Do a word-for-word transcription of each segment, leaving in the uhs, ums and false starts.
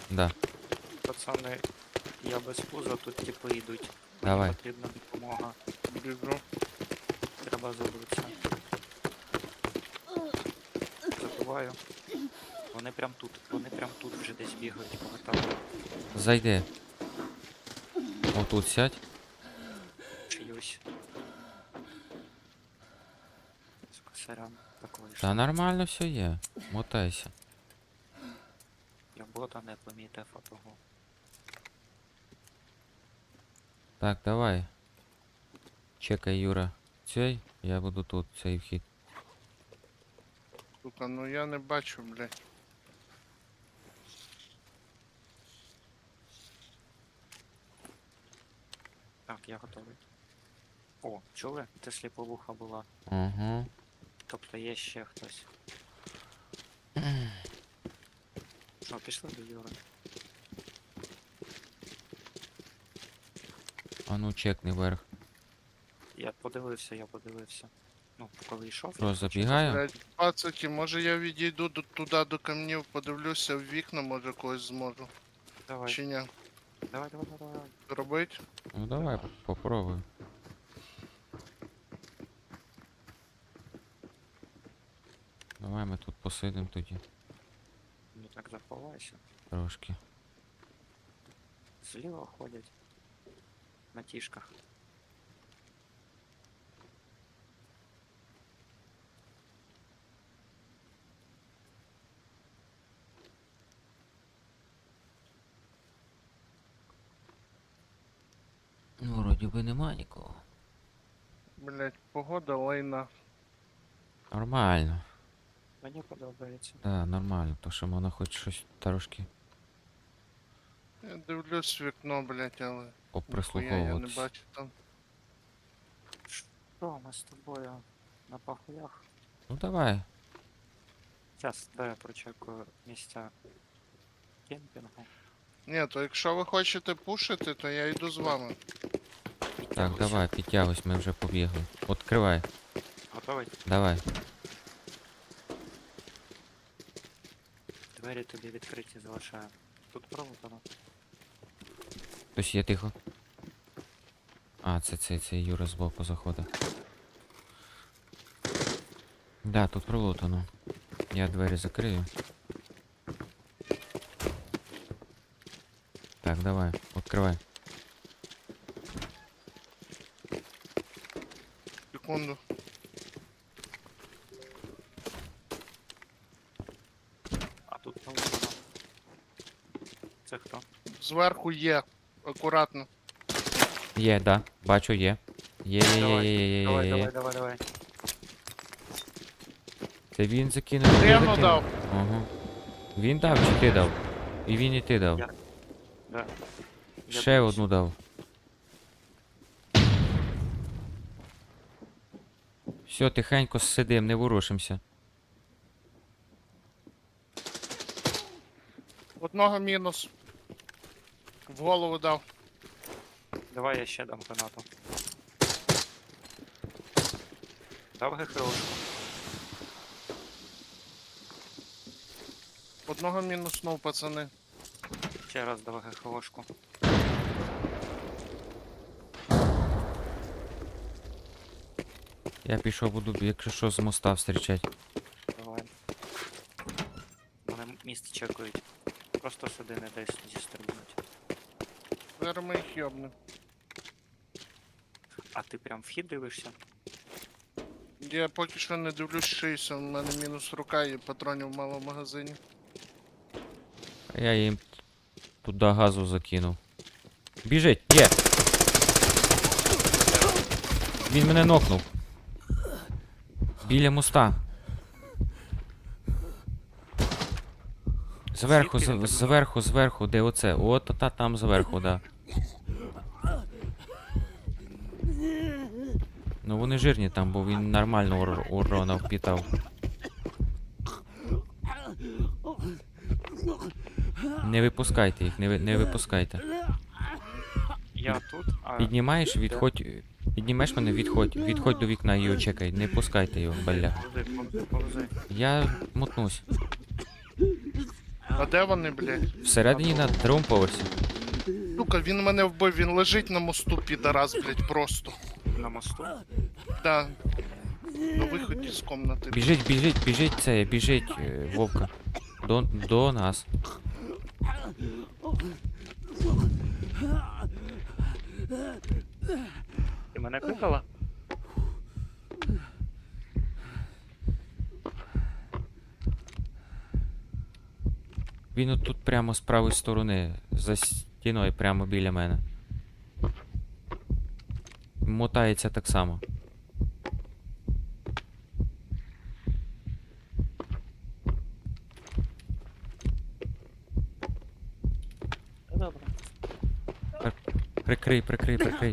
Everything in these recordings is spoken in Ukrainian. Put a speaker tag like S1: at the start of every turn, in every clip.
S1: Да.
S2: Пацани, я без пуза, тут типи йдуть.
S1: Давай.
S2: Мені потрібна допомога.
S3: Біжу.
S2: Треба забутися. Забуваю. Вони прям тут, вони прям тут вже десь бігають, повертали
S1: Зайди. Отут сядь.
S2: чиюсь. Сука, сорян, так вийшло.
S1: Та нормально все є. Мотайся.
S2: Я бота не помітив, а того.
S1: Так, давай. Чекай, Юра. Цей, я буду тут, цей вхід.
S3: Сука, ну я не бачу, блядь.
S2: Так, я готовий. О, чули? Це сліповуха була.
S1: Угу.
S2: Тобто є ще хтось. Що, пішли до Юри?
S1: А ну чекни вверх.
S2: Я подивився, я подивився. Ну, коли йшов,
S1: Що,
S2: я
S1: забігаю?
S3: Блядь, пацаки, може я відійду до, туди до камнів, подивлюся в вікна, може когось зможу.
S2: Давай,
S3: Чи ні?
S2: давай, давай, давай, давай.
S3: Робить?
S1: Ну давай, попробуй. Давай ми тут посидимо тоді.
S2: Ну так заховайся.
S1: Трошки.
S2: Зліва ходять. На тішках.
S1: Ну, вроді би нема нікого.
S3: Блядь, погода лайна.
S1: Нормально.
S2: Мені подобається.
S1: Да, нормально, то що можна хоч щось трошки
S3: Я дивлюсь в вікно, блядь, але ніхуя я не
S1: поприслуховуватись.
S3: бачу там.
S2: Що, ми з тобою на пахуях?
S1: Ну давай.
S2: Зараз, дай я прочекаю місця кемпінгу.
S3: Ні, то якщо ви хочете пушити, то я йду з вами.
S1: Так,
S2: Підтягуйся.
S1: давай, підтягуйся, ми вже побігли. Откривай,
S2: Готовий?
S1: давай.
S2: Двері тобі відкриті залишаю. Тут проводано.
S1: Хтось є тихо. А, це цей це Юра збоку заходить. Да, тут пролутано. Я двері закрию. Так, давай, відкривай.
S3: Секунду.
S2: А тут проводано. Це хто?
S3: Зверху є. Акуратно.
S1: Є, да, бачу, є. Є, є, є,
S2: Давай,
S1: є, є, є,
S2: Давай,
S1: є,
S2: давай,
S1: є.
S2: давай, давай.
S1: Це він закинув. ти
S3: Прямо
S1: закинув?
S3: дав.
S1: Ага. Він дав чи ти дав? І він і ти дав.
S2: Я- Да. Я
S1: Ще
S2: дивлюсь.
S1: одну дав. Все, тихенько сидим, не ворушимося.
S3: Одного мінус. В голову дав.
S2: Давай я ще дам гранату. Дав ГХО.
S3: Одного мінуснув, пацани.
S2: Ще раз дав ГХОшку.
S1: Я пішов, буду, якщо що, з моста встрічати.
S2: Давай. Вони місце чекають. Просто сюди не дай зістрибнуть.
S3: Зараз ми їх йобнем.
S2: А ти прям вхід дивишся?
S3: Я поки що не дивлюсь шийся, у мене мінус рука і патронів мало в магазині.
S1: А я їм туди газу закинув. Біжить, є! Він мене нокнув. Біля моста. Зверху,
S2: Звідки він
S1: з-
S2: тебе
S1: зверху, зверху, де оце? От та там зверху, да. Ну вони жирні там, бо він нормально ур урона впітав. Не випускайте їх, не, ви- не випускайте.
S2: Я тут, а
S1: Піднімаєш, відходь. Піднімеш мене, відходь. Відходь до вікна і його чекай. Не пускайте його, бля.
S2: повзи, повзи, повзи.
S1: Я мотнусь.
S3: А де вони, блядь?
S1: Всередині на другому поверсі.
S3: Сука, він мене вбив, він лежить на мосту, підарас, блядь, просто.
S2: На мосту.
S3: Да. На виході з комнати.
S1: Біжить, біжить, біжить це, біжить, е, Вовка. До, до нас.
S2: Ти мене кликала?
S1: Він отут прямо з правої сторони, за стіною, прямо біля мене. Мотається так само.
S2: Та добре.
S1: Прикрий, прикрий, прикрий.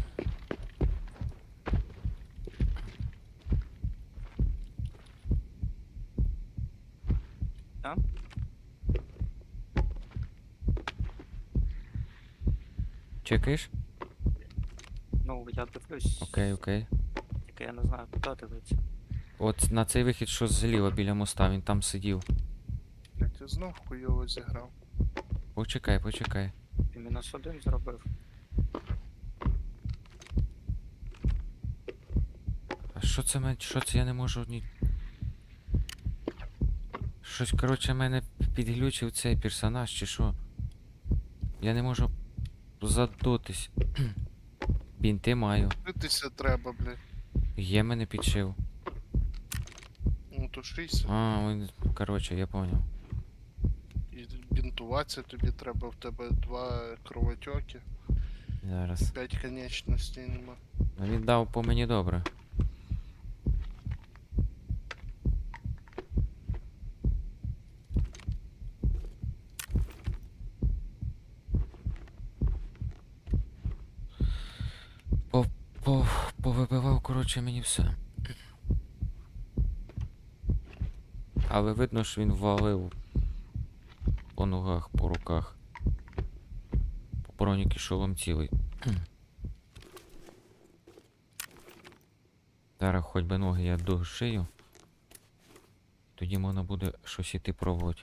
S2: Там?
S1: Чекаєш?
S2: Ну, я дивлюсь.
S1: Окей, окей.
S2: Тільки я не знаю, куди дивитися.
S1: От на цей вихід, що зліва біля моста, він там сидів.
S3: Блядь, я знов хуйово зіграв.
S1: Почекай, почекай.
S2: Ти мінус один зробив.
S1: А що це мен... Що це я не можу ні. Щось, коротше, мене підглючив цей персонаж, чи що? Я не можу задутись. Бінти маю.
S3: Битися треба, блядь.
S1: Є мене підшив.
S3: Ну то шийся.
S1: А, він... коротше, я поняв.
S3: І бінтуватися тобі треба, в тебе два кровотоки,
S1: Зараз.
S3: п'ять конечностей нема.
S1: Ну, він дав по мені добре. По, по, повибивав, коротше, мені все. Але видно, що він валив по ногах, по руках. По броніки шолом цілий. Зараз хоч би ноги я дошию. Тоді можна буде щось іти пробувати.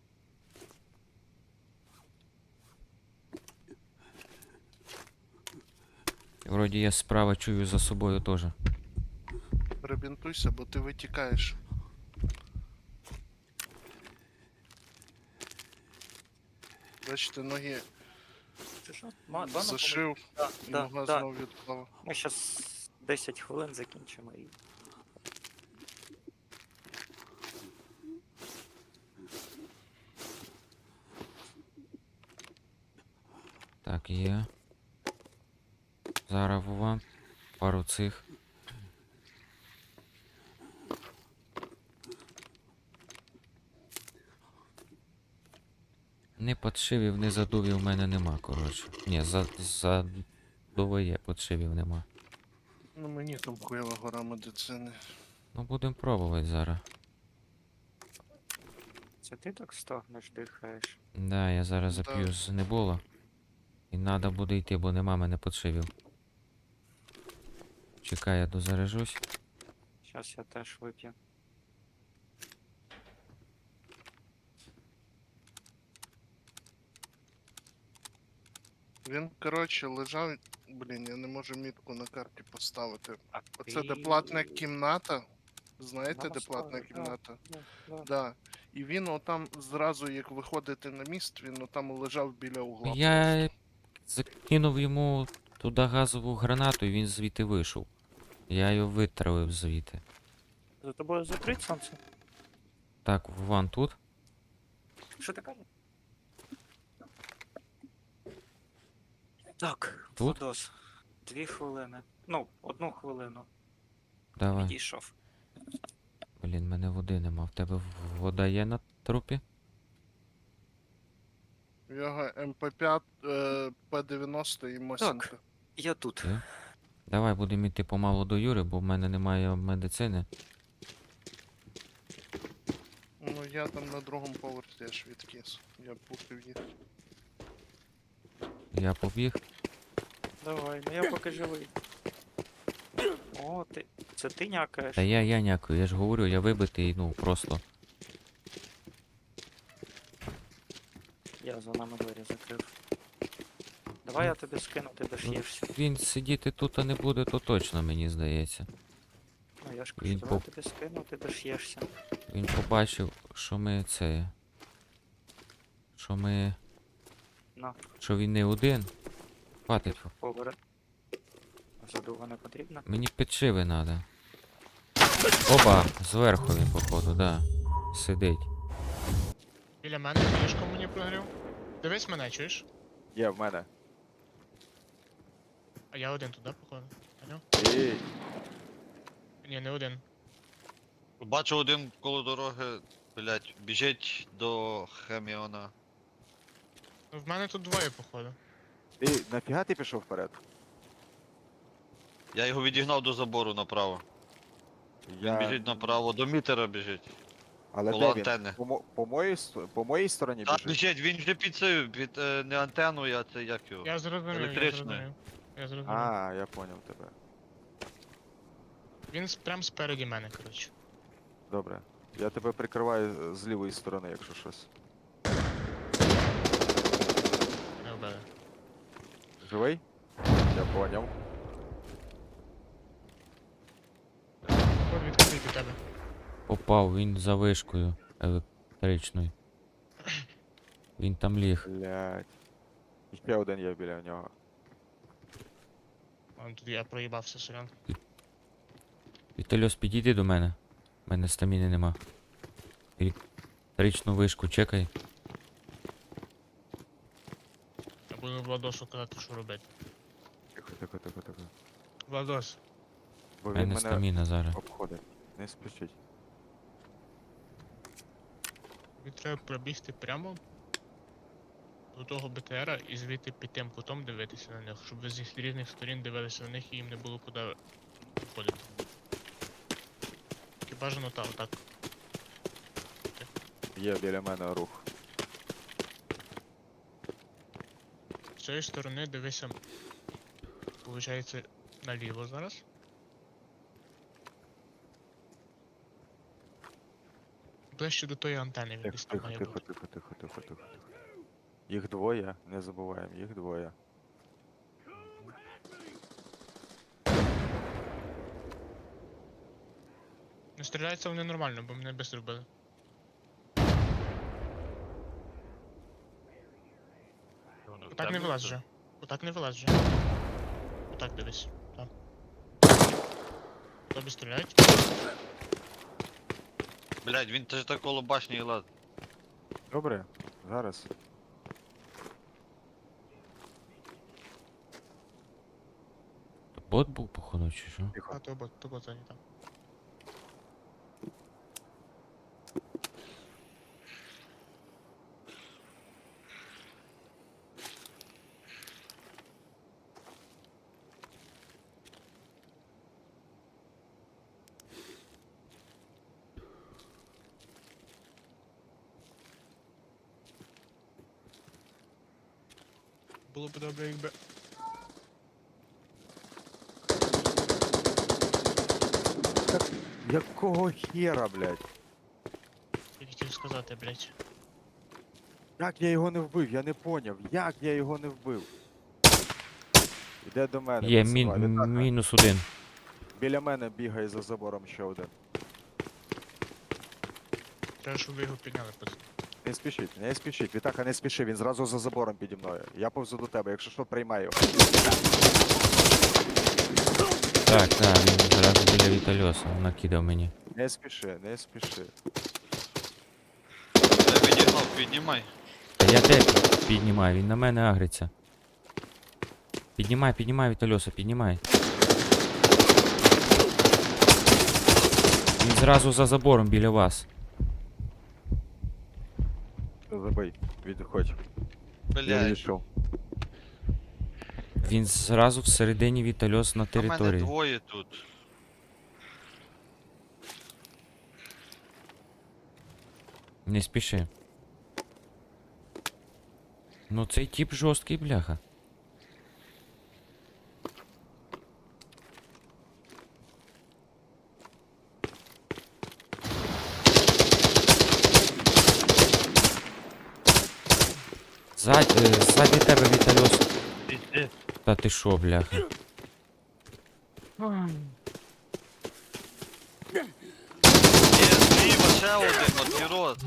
S1: Вроді я справа чую за собою теж.
S3: Перебінтуйся, бо ти витікаєш. Бачите, ноги
S2: Чи що? Ма, два
S3: зашив,
S2: Да,
S3: і
S2: да,
S3: нога
S2: да.
S3: знов відпала.
S2: Ми зараз десять хвилин закінчимо і.
S1: Так, є. Зараз Вова. Пару цих. Не подшивів, не задувів в мене нема, коротше. Ні, за, задуває, подшивів нема.
S3: Ну мені там хуєва гора медицини.
S1: Ну будемо пробувати зараз.
S2: Це ти так стогнеш, дихаєш.
S1: Да, я зараз
S3: Да.
S1: зап'ю з небола. І треба буде йти, бо нема мене подшивів. Чекай, я дозаряжусь.
S2: Зараз я теж вип'ю.
S3: Він, коротше, лежав. Блін, я не можу мітку на карті поставити.
S2: А
S3: Оце
S2: ти-
S3: де платна кімната. Знаєте,
S2: На
S3: де
S2: мосту,
S3: платна
S2: да.
S3: кімната?
S2: Да, да.
S3: Да. І він отам зразу, як виходити на міст, він отам лежав біля угла.
S1: Я закинув йому туди газову гранату і він звідти вийшов. Я його витравив звідти.
S2: За тобою закрить сонце?
S1: Так, Вован тут.
S2: Що ти кажеш? Так,
S1: Тут?
S2: Владос. Дві хвилини. Ну, одну хвилину.
S1: Давай.
S2: Підійшов.
S1: Блін, мене води нема. В тебе вода є на трупі?
S3: В його ем пе п'ять, е, пе дев'яносто і Мосінка.
S2: Я тут.
S1: Є? Давай будемо йти помалу до Юри, бо в мене немає медицини.
S3: Ну я там на другому поверсі аж відкис. Я пустив їх.
S1: Я побіг.
S2: Давай, ну я поки живий. О, ти. Це ти някаєш?
S1: Та я, я някую, я ж говорю, я вибитий, ну просто.
S2: за нами двері закрив. Давай я тобі скину, ти дош'єшся.
S1: Він сидіти тут не буде, то точно, мені здається.
S2: Ну я ж кажу,
S1: Він
S2: давай
S1: по-
S2: тобі скину, ти дош'єшся.
S1: Він побачив, що ми це. Що ми.
S2: На,
S1: Що він не один. Хватить.
S2: побере. Задуга не потрібна.
S1: Мені підшиви треба. Опа, зверху він, походу, да. Сидить.
S4: Біля мене ліжко мені прогрів. Дивись мене, чуєш?
S5: Є в мене.
S4: А я один туди, походу. Поняв?
S5: Ей,
S4: Ні, не один.
S6: Бачу один коло дороги, блять, біжить до Хеміона.
S4: Ну в мене тут двоє, походу.
S5: ти нафіга ти пішов вперед?
S6: Я його відігнав до забору направо. Він
S5: Я...
S6: біжить направо, до мітера біжить.
S5: Але
S6: коло
S5: де він?
S6: антени.
S5: По, мо- по, моїй, ст- по моїй стороні
S6: Так,
S5: біжить?
S6: біжить, він вже під цею, під е, не антеною, а це як його.
S4: Я зрозумів, я
S6: Електричною.
S4: зрозумів. Я зрозумів.
S5: А, я поняв тебе.
S4: Він с- прям спереді мене, коротше.
S5: Добре. Я тебе прикриваю е, з лівої сторони, якщо щось.
S4: Не вбили.
S5: Живий? Я поняв.
S4: От відкритий під тебе.
S1: Попав, він за вишкою електричною. Він там ліг.
S5: Блять. Ще один є біля нього.
S4: Вон тут я проїбався, сорян.
S1: Вітальос, підійди до мене. У мене стаміни нема. Електричну вишку чекай.
S4: Я буду Владосу казати, що робити.
S5: Тихо, тихо, тихо, тихо.
S4: Владос,
S5: Бо
S1: У
S5: він
S1: мене
S5: мене
S1: стаміна зараз.
S5: обходить. Не спішіть.
S4: тобі треба пробігти прямо до того БТРа і звідти під тим кутом дивитися на них, щоб ви з їх різних сторін дивилися на них і їм не було куди виходити. Тільки бажано так, отак.
S5: Є біля мене рух.
S4: З цієї сторони дивися, получається, наліво зараз. Ближче до тої антени він
S5: Тихо,
S4: десь там
S5: тихо,
S4: має
S5: тихо,
S4: бути.
S5: тихо, тихо, тихо, тихо. Їх двоє, не забуваємо, їх двоє.
S4: Не стріляються вони нормально, бо мене без зробили. Отак не вилазь вже. Отак не вилазь вже. Отак дивись. Так. Тобі стріляють?
S6: Блять, він теж так коло башні і лад.
S5: Добре, зараз.
S1: Бот був, походу, чи що?
S5: Тихо.
S4: А то бот, то бот зайній там. Було б добре, якби.
S5: Якого хера, блядь?
S4: Я хотів сказати, блять.
S5: Як я його не вбив? Я не поняв. Як я його не вбив? Іде до мене.
S1: Є
S5: пацан,
S1: мін,
S5: Літака.
S1: мінус один.
S5: Біля мене бігає за забором ще один.
S4: Треба, щоб ви його підняли, пацан.
S5: Не спішіть, не спішіть. Вітака, не спіши, він зразу за забором піді мною. Я повзу до тебе, якщо що, приймаю.
S1: Так, так, він зразу біля Вітальоса накидав мені.
S5: Не спіши, не спіши.
S6: Я відігнав, піднімай.
S1: Та я де піднімаю, він на мене агриться. Піднімай, піднімай Вітальоса, піднімай. Він зразу за забором біля вас.
S5: Забий, відходь. Я
S6: Блять,
S5: відійшов.
S1: Він зразу всередині Вітальос на
S6: а мене
S1: території.
S6: двоє тут.
S1: Не спіши. Ну цей тип жорсткий, бляха. Ззаді, е, ззаді тебе, Вітальос.
S6: Іди.
S1: Та ти шо, бляха?
S6: Є, зліва ще один, от пірот.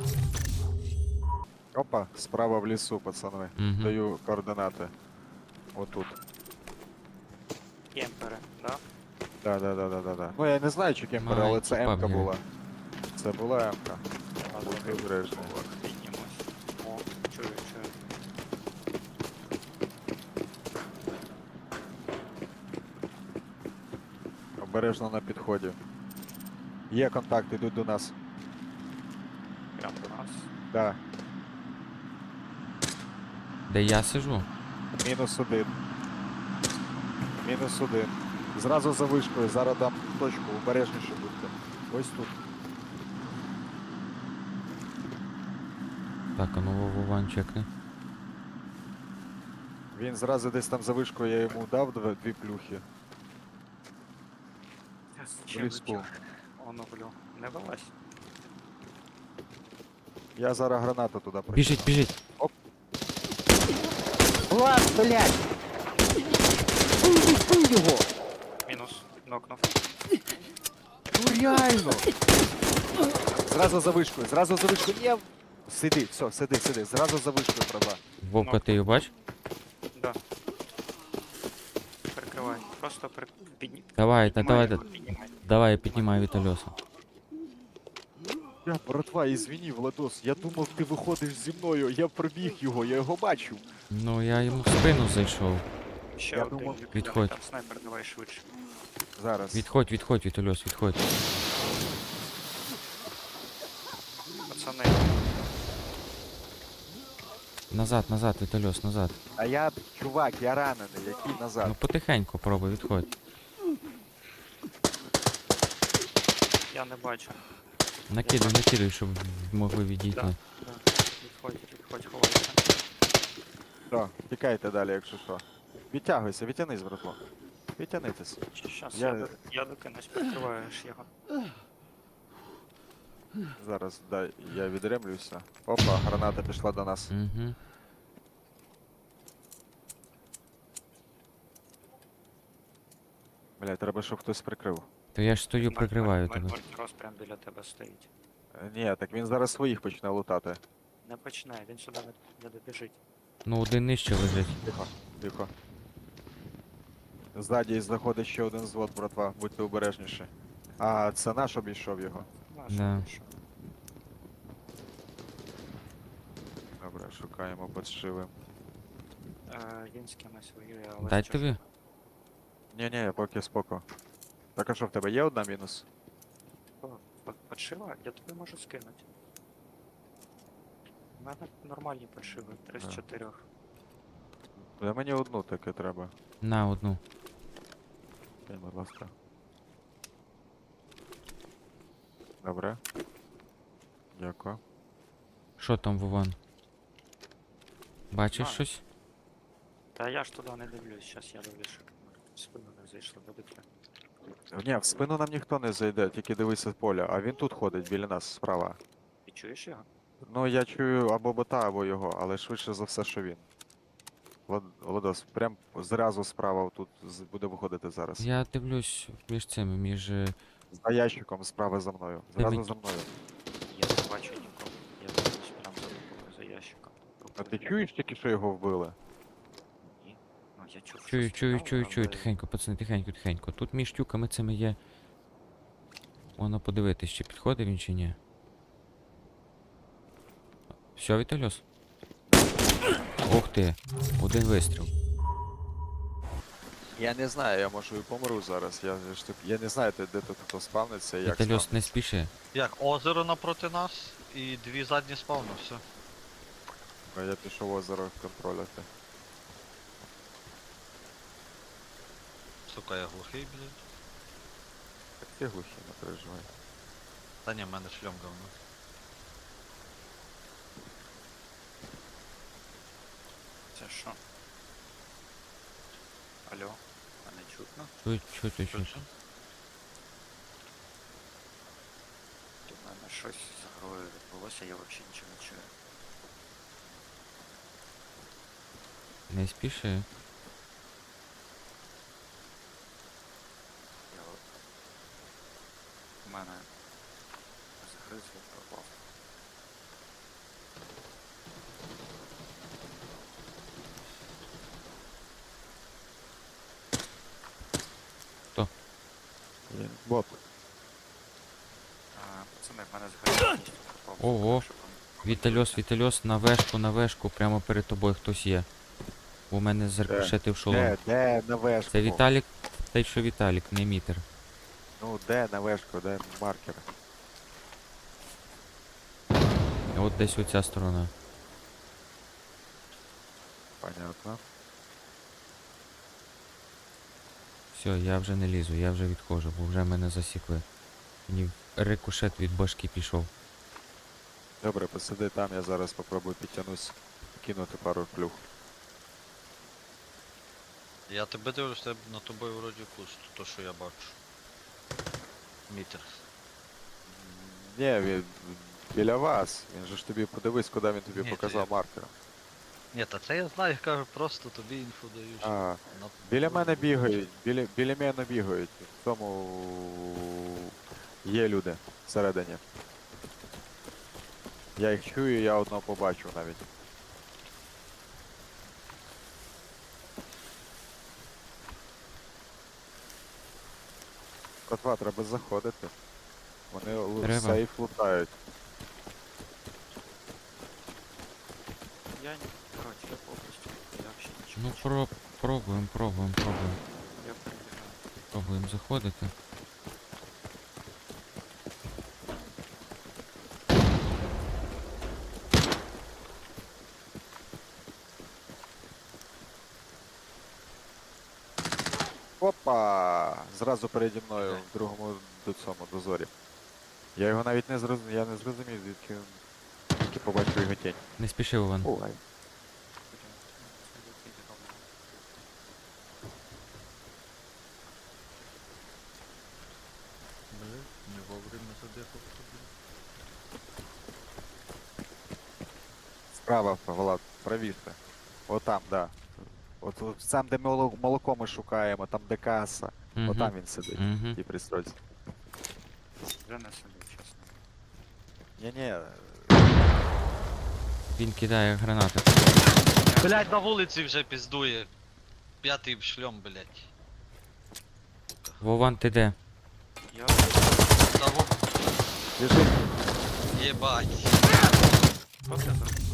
S5: Опа, справа в лісу, пацани.
S1: Угу.
S5: Даю координати. Отут.
S2: Кемпери, да?
S5: Да, да, да, да, да, да. Ну я не знаю, чи кемпер, але це
S1: Маленький
S5: М-ка
S1: паб є.
S5: була. Це була М-ка. Будьте обережні.
S2: Піднімось. О, чую, чую.
S5: Обережно на підході. Є контакт, ідуть до нас.
S2: Прям до нас.
S5: Да.
S1: Де я сижу?
S5: Мінус один. Мінус один. Зразу за вишкою, зараз дам точку, обережніше будьте. Ось тут.
S1: Так, а ну Вован чекни.
S5: Він зразу десь там за вишкою, я йому дав дві, дві плюхи.
S2: Ще
S5: ліску.
S2: летів. Оно, блю. Не вилазь.
S5: Я зараз гранату туди прикину.
S1: Біжить, біжить.
S5: Влад, блядь! Убий його!
S2: Мінус. Нокнув.
S5: Ну реально! Зразу за вишкою, зразу за вишкою. Ні. Сиди, все, сиди, сиди. Зразу за вишкою, права.
S1: Вовка, ти його бач?
S2: Да. Перекривай. Просто при... підні...
S1: Давай, та
S2: піднімай
S1: давай,
S2: його,
S1: та-
S2: піднімай.
S1: давай, я піднімаю Вітальоса.
S5: Я, братва, ізвини, Владос, я думав, ти виходиш зі мною, я пробіг його, я його бачив.
S1: Ну, я йому в спину зайшов.
S2: Ще
S5: Я
S2: один.
S5: думав,
S2: Люк,
S1: відходь.
S2: Там снайпер, давай швидше.
S5: Зараз.
S1: Відходь, відходь, Вітальос, відходь.
S2: Пацани.
S1: Назад, назад, Вітальос, назад.
S5: А я, чувак, я ранений, який назад.
S1: Ну потихеньку пробуй, відходь.
S2: Я не бачу.
S1: Накидай, накидай, щоб могли відійти.
S2: Да. Да. Відходь, відходь, ховайся.
S5: Все, тікайте далі, якщо що. Відтягуйся, відтянись, братло. Відтянитись.
S2: Щас
S5: Я-
S2: я, до- я докинусь, прикриваєш його.
S5: Зараз, дай, я відремлюся. Опа, граната пішла до нас.
S1: Угу.
S5: Бля, треба, щоб хтось прикрив.
S1: То я ж стою, прикриваю тебе.
S2: Мортирос прям біля тебе стоїть.
S5: Е, Ні, так він зараз своїх почне лутати.
S2: Не починай, він сюди не, не добіжить.
S1: Ну, один нижче лежить.
S5: Тихо, тихо. Ззаді заходить ще один звод, братва, будьте обережніші. А це наш обійшов його.
S2: Наш,
S1: Да.
S2: що?
S5: Добре, шукаємо подшиви.
S2: Е, він з кимось воює, але...
S1: Дай
S2: що ж-
S1: тобі.
S5: Ні-ні, поки споко. Так а що в тебе є одна мінус?
S2: О, по- Подшива? Я тобі можу скинути. У мене нормальні подшиви, три з
S5: А.
S2: чотирьох.
S5: Для мені одну таке треба.
S1: На одну.
S5: Кинь, будь ласка. Добре. Дякую.
S1: Що там, Вован? Бачиш
S2: А.
S1: щось?
S2: Та я ж туди не дивлюсь, щас я дивлюсь, щоб в спину не зайшло, добити.
S5: Ні, в спину нам ніхто не зайде, тільки дивися поля. А він тут ходить біля нас справа.
S2: Ти чуєш його?
S5: Ну я чую або бота, або його, але швидше за все, що він. Влад... Владос, прям зразу справа тут з- буде виходити зараз.
S1: Я дивлюсь між цими, між. е,
S5: За ящиком справа за мною. Зразу
S1: Дивись.
S5: за мною.
S2: Я не бачу нікого. Я дивлюсь прям за тобою, за ящиком.
S5: А ти чуєш тільки, що його вбили?
S2: Ні. Ну я чув, що
S1: Чую, чую,
S2: стріляли,
S1: чую, чую,
S2: але-
S1: тихенько, пацани, тихенько, тихенько. Тут між тюками цими є. Воно подивитись, чи підходить він чи ні. Все, Вітальос? Ух ти, один вистріл.
S5: Я не знаю, я можу і помру зараз. Я ж тут. Я не знаю, де де тут хто спавниться і як
S1: Вітальос,
S5: спавниться.
S1: не спіши.
S6: Як, озеро напроти нас і дві задні спавни, все.
S5: А я пішов озеро контролювати.
S6: Сука, я глухий, блядь.
S5: Так ти глухі, не переживай.
S6: Та ні, в мене шльом говно.
S2: Це що? Алло, мене чутно?
S1: Чуть, чуть, чуть.
S6: Що?
S2: У мене щось з грою відбулося, я взагалі нічого не чую.
S1: Не спіши.
S2: Я от... У мене загриз я пропав.
S5: Є. Бот.
S2: А, пацани, в мене загриз повністю пропав.
S1: Ого.
S2: Щоб вам-
S1: Вітальос, Вітальос, на вешку, на вешку, прямо перед тобою хтось є. У мене заркошетив шолом.
S5: Де, де на вешку?
S1: Це Віталік, та й що Віталік, не мітер.
S5: Ну, де на вешку, де маркер?
S1: От десь оця сторона.
S5: Понятно.
S1: Все, я вже не лізу, я вже відходжу, бо вже мене засікли. Мені рикошет від башки пішов.
S5: Добре, посиди там, я зараз попробую підтягнусь, кинути пару плюх.
S6: Я тебе дивлюсь, тебе на тобою вроді пусто, то що я бачу. Мітер.
S5: Ні, він біля вас. Він же ж тобі подивись, куди він тобі
S6: Ні,
S5: показав
S6: то я-
S5: маркером.
S6: Ні, та це я знаю, я кажу, просто тобі інфу даю. що
S5: А,
S6: на-
S5: біля мене бігають, біля, біля мене бігають. В тому є люди всередині. Я їх чую, я одного побачив навіть. Котва, треба заходити. Вони лу-
S1: Треба.
S5: сейф лутають.
S2: Я не... Коротше, я повністю. Я взагалі нічого
S1: Ну
S2: не чую.
S1: про... пробуємо, пробуємо, пробуємо.
S2: Я перебігаю.
S1: Пробуємо заходити.
S5: Опа! Зразу переді мною
S6: Ага.
S5: в другому до цьому дозорі. Я його навіть не зрозумів, я не зрозумів, звідки він тільки побачив його тінь.
S1: Не спіши, Іван.
S5: Ой.
S2: Потім, ну, знайду піді ровно.
S6: Бля, не вовремя задихав тобі.
S5: Справа, Влад, правіше. Отам, да. От, от сам, де моло- молоко ми шукаємо, там де каса.
S1: Мгм.
S5: Отам він сидить.
S1: Мгм.
S5: І пристройці.
S2: Вже не сидів, чесно.
S5: Ні-ні,
S1: Він кидає гранати.
S6: Блять, на вулиці вже піздує. П'ятий шльом, блять.
S1: Вован, ти де?
S2: Я...
S6: Та во...
S5: біжить.
S6: Єбать.
S2: Що це за...